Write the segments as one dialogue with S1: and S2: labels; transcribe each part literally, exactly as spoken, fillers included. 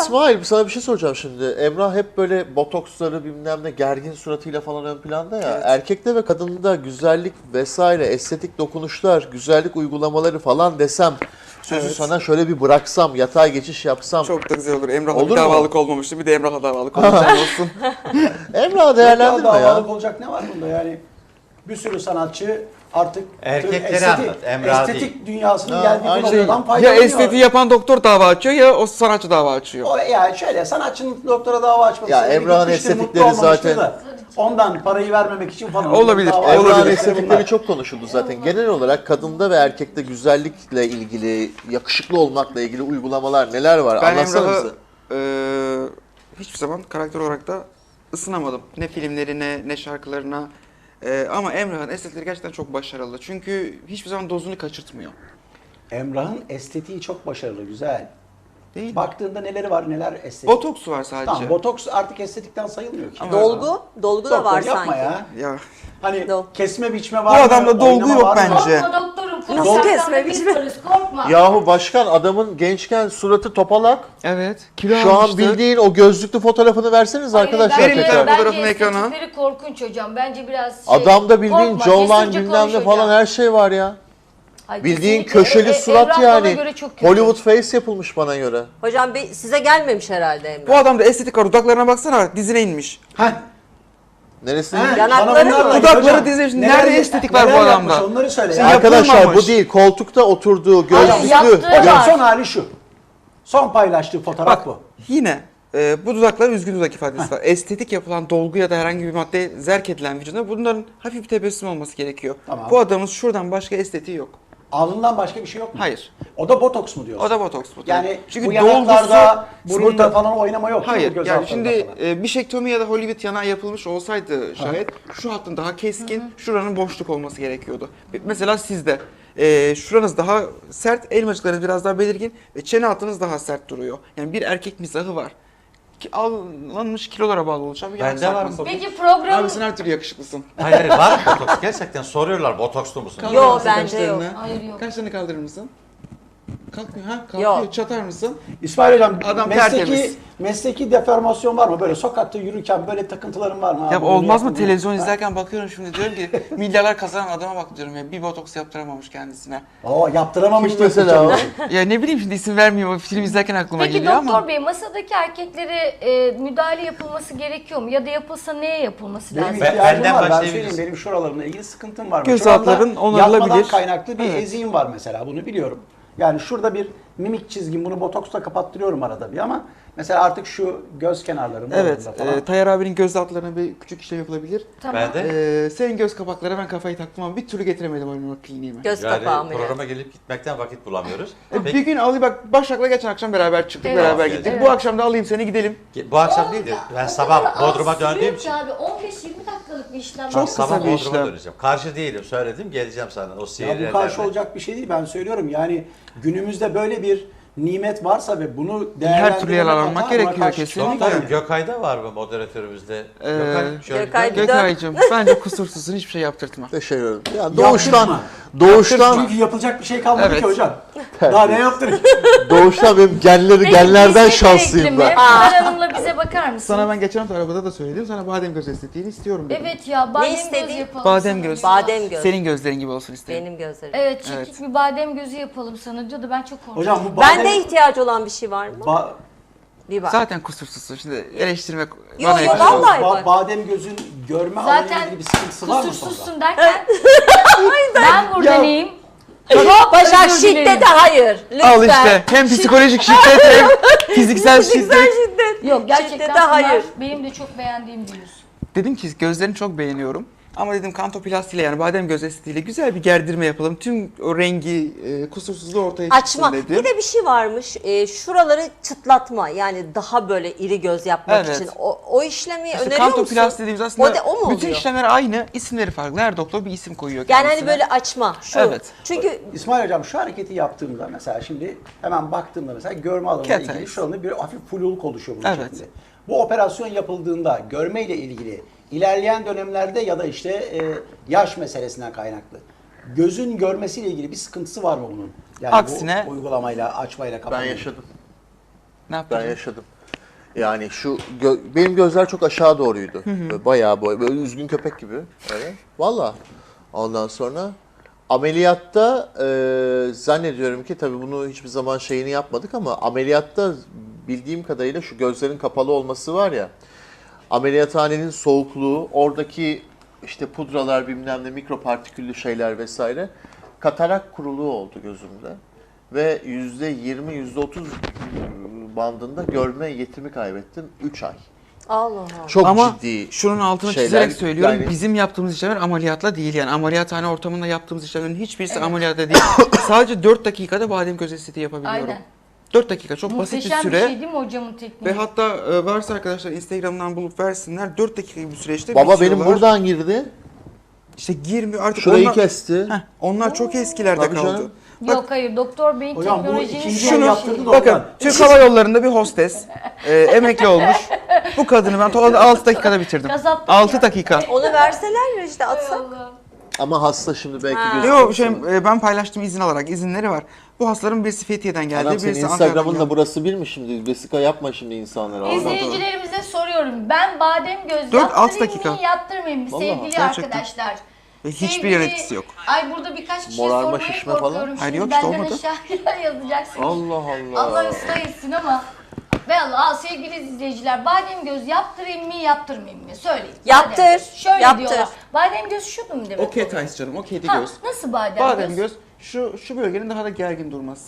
S1: İsmail sana bir şey soracağım şimdi. Emrah hep böyle botoksları bilmem ne gergin suratıyla falan ön planda ya.
S2: Evet.
S1: Erkekte ve kadında güzellik vesaire, estetik dokunuşlar, güzellik uygulamaları falan desem, sözü
S2: Evet.
S1: sana şöyle bir bıraksam, yatay geçiş yapsam.
S2: Çok da güzel olur. Emrah'la
S1: Olur
S2: bir
S1: mu?
S2: davalık olmamıştı. Bir de Emrah'la davalık olacak olsun.
S1: Emrah değerlendirme
S3: Yok ya,
S1: ya.
S3: davalık olacak ne var bunda yani? Bir sürü sanatçı artık
S4: Erkekleri
S3: estetik,
S4: anlat, Emrah
S3: estetik dünyasının
S1: Ha,
S3: geldiği
S1: aynı
S3: bu
S1: şey.
S3: noktadan
S2: Ya
S3: faydalanıyor.
S2: estetiği yapan doktor dava açıyor ya o sanatçı dava açıyor.
S3: O, yani şöyle sanatçının doktora dava açması.
S1: Ya
S3: sebebi
S1: Emrah'ın
S3: gitmiştir, mutlu
S1: estetikleri
S3: olmamıştır
S1: zaten-
S3: da ondan parayı vermemek için falan.
S2: Olabilir,
S3: dava
S2: olabilir.
S1: Emrah'ın
S3: açması
S1: estetikleri
S3: bunlar.
S1: çok konuşuldu zaten. Genel olarak kadında ve erkekte güzellikle ilgili, yakışıklı olmakla ilgili uygulamalar neler var?
S2: Ben
S1: Anlatsana
S2: Emrah'ı
S1: bize.
S2: eee, hiçbir zaman karakter olarak da ısınamadım. Ne filmlerine ne şarkılarına. Eee, ama Emrah'ın estetikleri gerçekten çok başarılı. Çünkü hiçbir zaman dozunu kaçırtmıyor.
S3: Emrah'ın estetiği çok başarılı, güzel.
S2: Değil mi?
S3: Baktığında neleri var, neler estetik.
S2: Botoksu var sadece.
S3: Tamam, botoks artık estetikten sayılmıyor ki.
S2: Ama-
S5: Dolgu, dolgu da
S3: Doktor
S5: var
S3: yapma
S5: sanki.
S3: ya.
S2: Ya
S3: Hani
S5: Dol-
S3: kesme biçme
S2: Bu
S3: var mı?
S2: adamda dolgu
S3: oynama
S2: yok
S3: var mı?
S2: bence.
S6: Korkma doktorum.
S5: Nasıl
S6: Nasıl
S5: kesmemiş mi?
S6: Korkma.
S1: Yahu başkan adamın gençken suratı topalak.
S2: evet. Kilo
S1: Şu an
S2: almıştı.
S1: bildiğin o gözlüklü fotoğrafını verseniz
S6: Hayır,
S1: arkadaşlar
S2: Verin
S6: bence-
S2: lütfen
S1: tekrar.
S2: fotoğrafını
S6: bence
S2: ekrana.
S6: estetikleri korkunç hocam. Bence biraz şey.
S1: Adamda bildiğin
S6: korkma,
S1: jawline
S6: cesurca
S1: bilmem
S6: konuş
S1: ne
S6: hocam.
S1: falan her şey var ya.
S6: Hayır,
S1: Bildiğin
S6: kesinlikle.
S1: köşeli
S6: E- e-
S1: surat
S6: Emrah bana
S1: yani.
S6: göre çok kötü.
S1: Hollywood face yapılmış bana göre.
S5: Hocam be- size gelmemiş herhalde Emre.
S2: Bu adamda estetik var. Dudaklarına baksana dizine inmiş.
S3: Heh.
S1: Neresi?
S3: He,
S5: Yanakları
S3: bana bunlar
S5: mı?
S3: da-
S2: Dudakları
S3: hocam,
S2: dizmiş.
S3: neler-
S2: Nerede estetik var bu
S3: neler
S2: adamda?
S3: yapmış, onları söyle.
S2: Sen
S3: ya.
S2: yap-
S1: Arkadaşlar
S2: yapılmamış.
S1: bu değil. Koltukta oturduğu gözlüklü.
S6: yaptığı
S3: Hocam
S6: var.
S3: son hali şu. Son paylaştığı fotoğraf
S2: Bak
S3: bu.
S2: yine e, bu dudakların üzgün dudak ifadesi var. Estetik yapılan dolgu ya da herhangi bir madde zerk edilen vücuduna bunların hafif bir tebessüm olması gerekiyor.
S3: Tamam.
S2: Bu adamın şuradan başka estetiği yok.
S3: Alnından başka bir şey yok mu?
S2: Hayır.
S3: O da botoks mu diyorsun?
S2: O da botoks bu.
S3: Yani
S2: Çünkü
S3: bu yanaklarda,
S2: dolgusu-
S3: burunda
S2: burada-
S3: falan oynama yok. değil mi?
S2: Hayır.
S3: Göz
S2: Yani
S3: altlarında
S2: şimdi
S3: falan.
S2: e, bişektomi ya da Hollywood yanağı yapılmış olsaydı şayet şu hattın daha keskin, şuranın boşluk olması gerekiyordu. Mesela sizde e, şuranız daha sert, elmacıklarınız biraz daha belirgin ve çene hattınız daha sert duruyor. Yani bir erkek mizahı var. Ki alınmış kilolara bağlı olacak bir
S4: Bende
S2: yanak
S4: var mı?
S2: sarkması.
S6: Peki program...
S2: Abi sen her türlü yakışıklısın.
S4: Hayır hayır var mı botoks? Gerçekten soruyorlar botokslu musun?
S2: Kaldırır
S5: Yo,
S2: mısın
S5: bence yok.
S2: kaşlarını?
S6: Hayır, yok.
S2: Kaşlarını kaldırır mısın? Kalkmıyor ha? Kalkıyor.
S5: Yok.
S2: Çatar mısın?
S3: İsmail Hocam
S2: Adam
S3: mesleki,
S2: tertemiz.
S3: mesleki deformasyon var mı? Böyle sokakta yürürken böyle takıntıların var mı?
S2: Ya
S3: Abi bunu
S2: olmaz mı?
S3: yapın,
S2: Televizyon
S3: bunu-
S2: izlerken bakıyorum şimdi diyorum ki milyarlar kazanan adama bak diyorum ya bir botoks yaptıramamış kendisine.
S3: Oo, yaptıramamış
S1: Kim
S3: diyorsun
S1: mesela o?
S3: canım.
S2: Ya ne bileyim şimdi isim vermiyorum film izlerken aklıma
S6: Peki
S2: geliyor
S6: doktor
S2: ama.
S6: bey masadaki erkeklere e, müdahale yapılması gerekiyor mu? Ya da yapılsa neye yapılması
S3: Benim
S6: lazım?
S4: Ben-
S3: ihtiyacım
S4: benden
S3: var. Ben
S4: başlayabiliriz.
S3: söyleyeyim benim şuralarımla ilgili sıkıntım var.
S2: Göz
S3: Şuramda
S2: altların onarılabilir.
S3: Yapmadan kaynaklı bir
S2: Evet.
S3: eziğim var mesela bunu biliyorum. Yani şurada bir mimik çizgim bunu botoksla kapattırıyorum arada bir ama mesela artık şu göz kenarlarında
S2: Evet,
S3: oralarda falan.
S2: e, Tayyar abinin göz altlarına bir küçük işlem yapılabilir.
S6: Tamam.
S4: Ben de
S2: E, senin göz kapaklara ben kafayı taktım ama bir türlü getiremedim oynamak kliniğime.
S5: Göz kapağı
S4: yani
S5: ameliyatı.
S4: programa gelip gitmekten vakit bulamıyoruz.
S2: E,
S4: Peki,
S2: bir gün alayım bak Başak'la geçen akşam beraber çıktık,
S6: Evet.
S2: beraber
S4: Evet.
S2: gittik.
S6: Evet.
S2: Bu akşam da alayım seni gidelim.
S4: bu akşam değil de ben sabah Bodrum'a döndüğüm için
S6: Abi on beş yirmi dakikalık bir işlem.
S2: Çok
S4: ben
S2: kısa
S4: sabah
S2: bir
S4: Bodrum'a
S2: işlem.
S4: döneceğim. Karşı değilim söyledim geleceğim sana o
S3: Ya
S4: sihirlerle.
S3: bu karşı olacak bir şey değil ben söylüyorum. Yani günümüzde böyle bir nimet varsa ve bunu
S2: Her türlü yer
S3: değerlendirmek
S2: almak
S3: hata, buna
S2: gerekiyor
S3: karşı
S2: kesinlikle.
S3: çıkmak
S4: Tabii
S3: yani.
S4: Gökay'da var mı moderatörümüzde?
S2: Ee,
S4: Gökay, şöyle
S5: Gökay
S4: dön.
S5: bir dön.
S2: Gökay'cığım bence kusursuzsun hiçbir şey yaptırtma.
S1: Teşekkür ederim. Ya doğuştan,
S3: Yaptırma.
S1: doğuştan,
S3: Çünkü yapılacak bir şey kalmadı
S2: Evet.
S3: ki hocam. Daha ne yaptırayım?
S1: doğuştan benim genleri,
S6: Peki,
S1: genlerden
S6: biz
S1: şanslıyım
S6: gerekli
S1: ben.
S6: mi? Pınar Hanım'la bize bakar mısın?
S2: Sana ben geçen hafta arabada da söyledim. Sana badem göz estetiğini istiyorum dedim.
S6: Evet ya badem göz
S5: istediğin?
S6: yapalım
S2: Badem
S6: sana
S2: göz.
S6: diyor.
S5: Badem göz.
S2: Senin gözlerin gibi olsun isterim.
S5: Benim gözlerim.
S6: Evet çekik
S2: Evet.
S6: bir badem gözü yapalım sana diyordu ben çok korktum.
S3: Hocam bu badem...
S5: Bende ihtiyaç olan bir şey var mı?
S3: Ba-
S5: Bir bak.
S2: Zaten kusursuzsun. Şimdi eleştirmek
S5: Yo,
S2: bana
S5: yo,
S2: yakışmaz.
S5: vallahi.
S3: ba-
S5: bak.
S3: badem gözün görme alanıyla
S6: Zaten
S3: ilgili bir sıkıntısı var mı sonra?
S6: kusursuzsun derken ben burada neyim? Çok
S5: Başak
S6: özür dilerim.
S5: şiddete hayır. Lütfen.
S2: Al işte hem psikolojik şiddet hem fiziksel
S5: Fiziksel
S2: şiddet.
S5: şiddet.
S6: Yok gerçekten
S5: Şiddete
S6: Pınar
S5: hayır.
S6: benim de çok beğendiğim bir yüz.
S2: Dedim ki gözlerini çok beğeniyorum. Ama dedim kantoplastiyle yani badem göz estetiğiyle güzel bir gerdirme yapalım. Tüm o rengi, e, kusursuzluğu ortaya çıksın
S5: Açma.
S2: dedim.
S5: Bir de bir şey varmış. E, şuraları çıtlatma. Yani daha böyle iri göz yapmak
S2: Evet.
S5: için. O, o işlemi
S2: İşte
S5: öneriyor musun?
S2: kantoplasti dediğimiz aslında
S5: O, de, o mu
S2: bütün
S5: oluyor?
S2: işlemler aynı, isimleri farklı. Her doktor bir isim koyuyor
S5: Yani
S2: kendisine.
S5: hani böyle açma. Şu.
S2: Evet.
S5: Çünkü
S3: İsmail Hocam şu hareketi yaptığımda mesela şimdi hemen baktığımda mesela görme alanıyla
S2: Cat
S3: ilgili
S2: eyes.
S3: şu anda bir hafif fluluk oluşuyor bunun
S2: Evet.
S3: şeklinde. Bu operasyon yapıldığında görme ile ilgili ilerleyen dönemlerde ya da işte e, yaş meselesinden kaynaklı gözün görmesiyle ilgili bir sıkıntısı var mı bunun? Yani
S2: Aksine-
S3: bu uygulamayla, açmayla,
S1: Ben
S3: kapamayla.
S1: yaşadım.
S2: Ne yaptın?
S1: Ben yaşadım. Yani şu gö- benim gözler çok aşağı doğruydu. Böyle bayağı boy, böyle üzgün köpek gibi. Öyle. Valla. Ondan sonra ameliyatta e, zannediyorum ki tabii bunu hiçbir zaman şeyini yapmadık ama ameliyatta bildiğim kadarıyla şu gözlerin kapalı olması var ya. Ameliyathanenin soğukluğu, oradaki işte pudralar bilmem ne mikropartiküllü şeyler vesaire katarak kuruluğu oldu gözümde. Ve yüzde yirmi, yüzde otuz bandında görme yetimi kaybettim. üç ay.
S5: Allah Allah.
S1: Çok
S2: Ama
S1: ciddi
S2: şunun altını
S1: şeyler.
S2: çizerek söylüyorum.
S1: Yani-
S2: Bizim yaptığımız işlemler ameliyatla değil yani. Ameliyathane ortamında yaptığımız işlemlerin hiçbirisi ameliyatta değil. Sadece dört dakikada badem göz estetiği yapabiliyorum.
S6: Aynen.
S2: dört dakika çok basit bir
S6: Muhteşem
S2: süre.
S6: bir şey değil mi hocamın tekniği?
S2: Ve hatta e, varsa arkadaşlar Instagram'dan bulup versinler. dört dakika gibi bir süreçte
S1: Baba benim
S2: bitiyorlar.
S1: buradan girdi.
S2: İşte girmiyor artık
S1: Şurayı
S2: onlar,
S1: kesti.
S2: Heh, onlar çok eskilerde
S1: Tabii
S2: kaldı.
S1: canım.
S6: Yok hayır doktor beyin
S3: Hocam bu
S6: teknolojinin
S3: ikinci
S6: şunu
S3: el yaptırdı da
S2: Bakın
S3: ondan.
S2: Türk Hava Yolları'nda bir hostes e, emekli olmuş. Bu kadını ben toplamda altı dakikada bitirdim.
S6: Kasaplık
S2: altı
S6: ya.
S2: dakika.
S5: Onu verseler ya işte atsak.
S1: Ama hasta şimdi belki
S5: Ha.
S1: gözü.
S2: Yok şey, e, ben paylaştım izin alarak izinleri var. Bu hastaların birisi Fethiye'den geldi,
S1: Anam senin
S2: birisi Ankara'dan
S1: Instagram'ın da
S2: geldi.
S1: burası bir mi şimdi? Vesika yapma şimdi insanlara. Allah.
S6: İzleyicilerimize soruyorum. Ben badem göz
S2: Dört, altı
S6: yaptırayım
S2: dakika.
S6: mı yaptırmayayım mı
S1: Vallahi,
S6: sevgili
S2: gerçekten.
S6: arkadaşlar?
S2: Ve hiçbir
S6: Sevgili-
S2: yan etkisi yok.
S6: Ay burada birkaç kişiye
S1: Morarma,
S6: sormaya
S1: şişme falan?
S6: korkuyorum.
S2: Hayır,
S6: Şimdi
S2: yok işte,
S6: benden
S2: olmadı.
S6: aşağıya yazacaksınız.
S1: Allah Allah.
S6: Allah ıslah etsin ama Valla sevgili izleyiciler badem göz yaptırayım mı yaptırmayayım mı? Söyleyin.
S5: Yaptır,
S6: Badem göz. Şöyle
S5: yaptır.
S6: diyorlar. Badem göz şu mu demek?
S2: O cat eyes canım, o kedi
S6: Ha,
S2: göz.
S6: nasıl badem,
S2: Badem
S6: göz?
S2: göz şu şu bölgenin daha da gergin durması.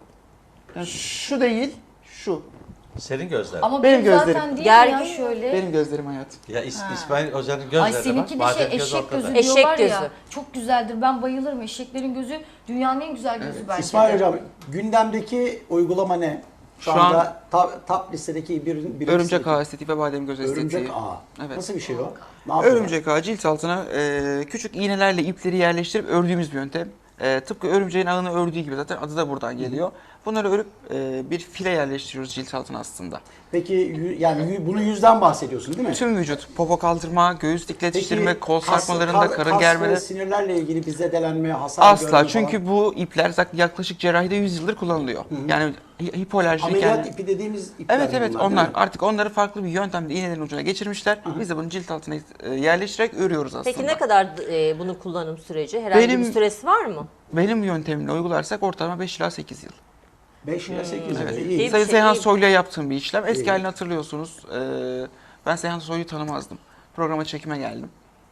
S2: Yani şu değil, şu.
S4: Senin gözler.
S6: Ama
S2: Benim
S6: benim zaten
S2: gözlerim.
S6: değil ya
S5: Gergin.
S6: şöyle.
S2: Benim gözlerim hayat.
S4: Ya İs- İsmail Hoca'nın
S6: Ay
S4: gözlerine bak.
S6: seninki de
S4: Badem
S6: şey
S4: göz
S6: eşek
S4: ortada.
S6: gözü
S5: Eşek
S6: diyorlar
S5: gözü.
S6: ya. Çok güzeldir. Ben bayılırım. Eşeklerin gözü dünyanın en güzel gözü bence.
S3: İsmail
S6: de.
S3: Hocam gündemdeki uygulama ne? Şu,
S2: Şu
S3: anda top, top listedeki bir, bir
S2: Örümcek ağı estetiği ve badem göz estetiği.
S3: Örümcek ağı.
S2: Evet.
S3: Nasıl bir şey o? Ne yapıyor?
S2: Örümcek ağı cilt altına e, küçük iğnelerle ipleri yerleştirip ördüğümüz bir yöntem. E, tıpkı örümceğin ağını ördüğü gibi zaten adı da buradan geliyor. Bunları örüp e, bir file yerleştiriyoruz cilt altına aslında.
S3: Peki yü- yani yü- bunu yüzden bahsediyorsun değil mi?
S2: Tüm vücut, popo kaldırma, göğüs dikleştirme, kol
S3: kas-
S2: sarkmalarında,
S3: kas-
S2: karın
S3: kas
S2: germeleri.
S3: ve sinirlerle ilgili bir zedelenme, hasar
S2: Asla
S3: görme
S2: çünkü
S3: falan.
S2: bu ipler zaten yaklaşık cerrahide yüz yıldır kullanılıyor. Yani hi- hipoalerjik
S3: Ameliyat
S2: yani.
S3: ipi dediğimiz ipler
S2: Evet
S3: mi
S2: evet
S3: bunlar, değil
S2: onlar
S3: mi?
S2: artık onları farklı bir yöntemle iğnelerin ucuna geçirmişler. Biz de bunu cilt altına e, yerleştirerek örüyoruz aslında.
S5: Peki ne kadar e, bunun kullanım süreci? Herhangi
S2: Benim-
S5: bir süresi var mı?
S2: Benim yöntemimle uygularsak ortalama beş ila sekiz yıl.
S3: beş ile sekiz
S2: Evet.
S3: yıl.
S5: İyi
S3: İyi.
S5: bir
S2: Sayın
S5: şey,
S2: Seyhan
S5: iyi.
S2: Soylu'ya yaptığım bir işlem. Eski
S3: İyi.
S2: halini hatırlıyorsunuz. Ee, ben Seyhan Soylu'yu tanımazdım. Programa çekime geldim.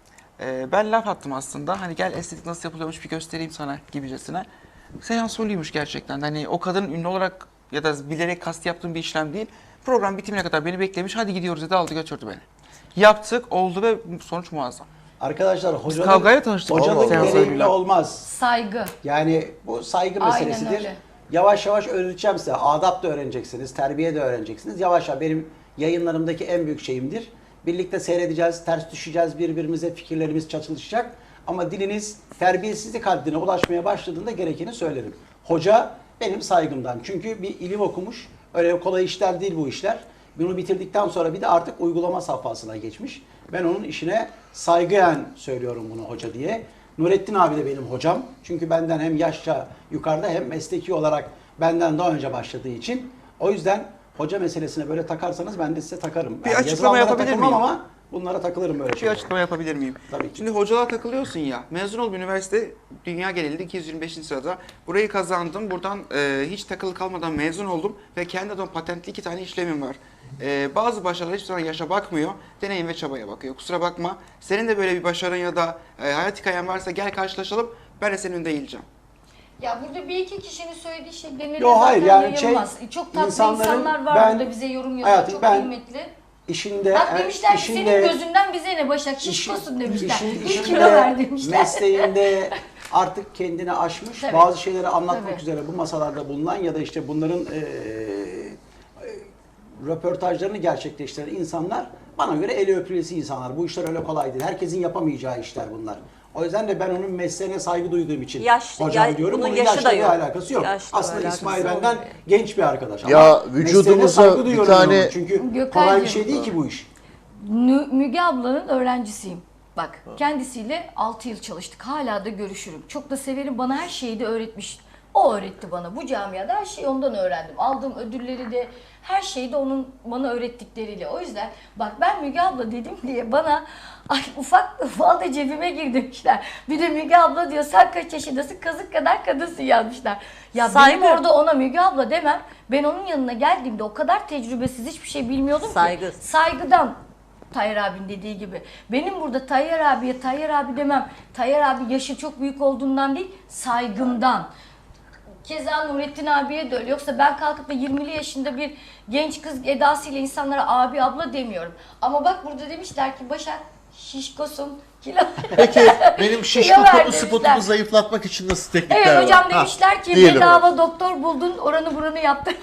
S2: Ee, ben laf attım aslında. Hani gel estetik nasıl yapılıyormuş bir göstereyim sana gibicesine. Seyhan Soylu'ymuş gerçekten. Hani o kadının ünlü olarak ya da bilerek kast yaptığım bir işlem değil. Program bitimine kadar beni beklemiş. Hadi gidiyoruz dedi, aldı götürdü beni. Yaptık, oldu ve sonuç muazzam.
S3: Arkadaşlar hocanın,
S2: kavgayla tanıştık
S3: hocanın
S2: Seans
S3: gereğiyle
S2: Soylu'yla.
S3: olmaz.
S6: Saygı.
S3: Yani bu saygı
S6: Aynen
S3: meselesidir.
S6: öyle.
S3: Yavaş yavaş öğreteceğim size. Adap da öğreneceksiniz, terbiye de öğreneceksiniz. Yavaş yavaş benim yayınlarımdaki en büyük şeyimdir. Birlikte seyredeceğiz, ters düşeceğiz, birbirimize fikirlerimiz çatışacak. Ama diliniz terbiyesizlik haddine ulaşmaya başladığında gerekeni söylerim. Hoca benim saygımdan. Çünkü bir ilim okumuş. Öyle kolay işler değil bu işler. Bunu bitirdikten sonra bir de artık uygulama safhasına geçmiş. Ben onun işine saygıyen söylüyorum bunu hoca diye. Nurettin abi de benim hocam. Çünkü benden hem yaşça yukarıda hem mesleki olarak benden daha önce başladığı için. O yüzden hoca meselesine böyle takarsanız ben de size takarım.
S2: Bir
S3: Yani
S2: açıklama
S3: yazılanlara
S2: yapabilir
S3: takılmam
S2: miyim?
S3: ama bunlara takılırım böyle
S2: Bir
S3: şeylere.
S2: açıklama yapabilir miyim?
S3: Tabii ki.
S2: Şimdi hocalığa takılıyorsun ya. Mezun olup üniversite dünya genelinde iki yüz yirmi beşinci sırada. Burayı kazandım. Buradan e, hiç takılı kalmadan mezun oldum. Ve kendi adıma patentli iki tane işlemim var. E, bazı başarılar hiçbir zaman yaşa bakmıyor. Deneyim ve çabaya bakıyor. Kusura bakma. Senin de böyle bir başarın ya da e, hayat hikayen varsa gel karşılaşalım. Ben de senin önünde eğileceğim.
S6: Ya burada bir iki kişinin söylediği şey genelde
S3: Yo, hayır,
S6: zaten
S3: yani şey,
S6: yayılmaz. Çok tatlı
S3: insanların
S6: insanlar var
S3: ben-
S6: burada bize yorum yazıyor.
S3: hayatım,
S6: Çok
S3: ben-
S6: kıymetli.
S3: İşinde,
S6: Bak demişler ki
S3: işinde,
S6: senin gözünden bize ne Başak
S3: işin-
S6: şişkosun demişler.
S3: işin-
S6: Bir
S3: işinde,
S6: kilo ver demişler.
S3: mesleğinde artık kendini aşmış,
S6: Tabii.
S3: bazı şeyleri anlatmak
S6: Tabii.
S3: üzere bu masalarda bulunan ya da işte bunların e, e, röportajlarını gerçekleştiren insanlar bana göre eli öpülesi insanlar. Bu işler öyle kolay değil. Herkesin yapamayacağı işler bunlar. O yüzden de ben onun mesleğine saygı duyduğum için
S5: Yaş-
S3: hocam
S5: ya-
S3: diyorum.
S5: bunun
S3: Bunun
S5: yaşı
S3: yaşla
S5: da
S3: bir
S5: yok.
S3: alakası yok.
S5: Yaşla
S3: Aslında
S5: alakası
S3: İsmail
S5: olmuyor.
S3: benden genç bir arkadaş.
S1: Ya
S3: Ama
S1: vücudumuza
S3: mesleğine saygı
S1: bir
S3: duyuyorum
S1: tane-
S3: ona. Çünkü kolay bir
S6: Gökaycığım.
S3: şey değil ki bu iş.
S6: Nü- Müge ablanın öğrencisiyim. Bak kendisiyle altı yıl çalıştık. Hala da görüşürüm. Çok da severim. Bana her şeyi de öğretmiş. O öğretti bana. Bu camiada her şeyi ondan öğrendim. Aldığım ödülleri de, her şeyi de onun bana öğrettikleriyle. O yüzden bak ben Müge abla dedim diye bana ay ufak ufal da cebime gir demişler. Bir de Müge abla diyor sen kaç yaşındasın, kazık kadar kadınsın yazmışlar. Ya
S5: Saygı.
S6: benim orada ona Müge abla demem. Ben onun yanına geldiğimde o kadar tecrübesiz hiçbir şey bilmiyordum
S5: Saygı.
S6: ki. Saygıdan. Tayyar abinin dediği gibi. Benim burada Tayyar abiye Tayyar abi demem. Tayyar abi yaşı çok büyük olduğundan değil, saygımdan. Keza Nurettin abiye de öyle. Yoksa ben kalkıp da yirmili yaşında bir genç kız edasıyla insanlara abi abla demiyorum. Ama bak burada demişler ki Başak şişkosun, kilo.
S1: Peki benim şişko
S6: Kilo ver
S1: kapı
S6: demişler.
S1: spotumu zayıflatmak için nasıl teknikler var?
S6: Evet hocam
S1: Ha,
S6: demişler ki
S1: diyelim.
S6: bedava doktor buldun, oranı buranı yaptın.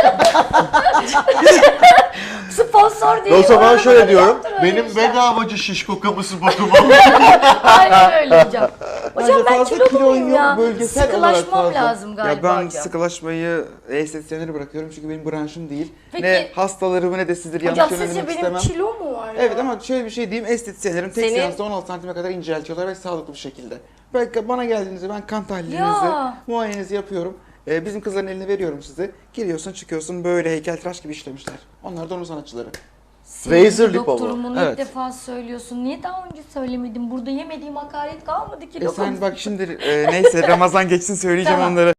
S6: Sponsor değil.
S1: O zaman
S6: oranı
S1: şöyle
S6: buranı
S1: diyorum.
S6: yaptın, öyle
S1: Benim
S6: demişler.
S1: bedavacı şişko kapı spotumu.
S6: Aynen öyle hocam. Hocam
S2: Bence
S6: ben
S2: fazla
S6: kilo
S2: kilon
S6: muyum
S2: yok,
S6: ya?
S2: bölgesel olarak
S6: Sıkılaşmam
S2: fazla.
S6: lazım galiba
S2: Ya ben
S6: hocam.
S2: sıkılaşmayı estetisyenlere bırakıyorum çünkü benim branşım değil.
S6: Peki-
S2: Ne hastalarımı ne de sizleri
S6: Hocam
S2: yanlış
S6: sizce
S2: yönlendirmek
S6: benim
S2: istemem.
S6: kilo mu var ya?
S2: Evet ama şöyle bir şey diyeyim, estetisyenlerim tek
S5: Seni-
S2: seansta on altı santime kadar inceltiyorlar ve sağlıklı bir şekilde. Belki bana geldiğinizde ben kan tahlilinizi,
S6: Ya.
S2: muayenenizi yapıyorum. Ee, bizim kızların eline veriyorum size. Giriyorsun çıkıyorsun böyle heykeltıraş gibi işlemişler. Onlar da onun sanatçıları.
S6: Senin
S1: Razor lip
S6: doktorum bunu
S2: Evet.
S6: ilk defa söylüyorsun. Niye daha önce söylemedin? Burada yemediğim hakaret kalmadı ki.
S2: E sen
S6: lokum.
S2: bak şimdi e, neyse Ramazan geçsin söyleyeceğim
S6: Tamam.
S2: onları.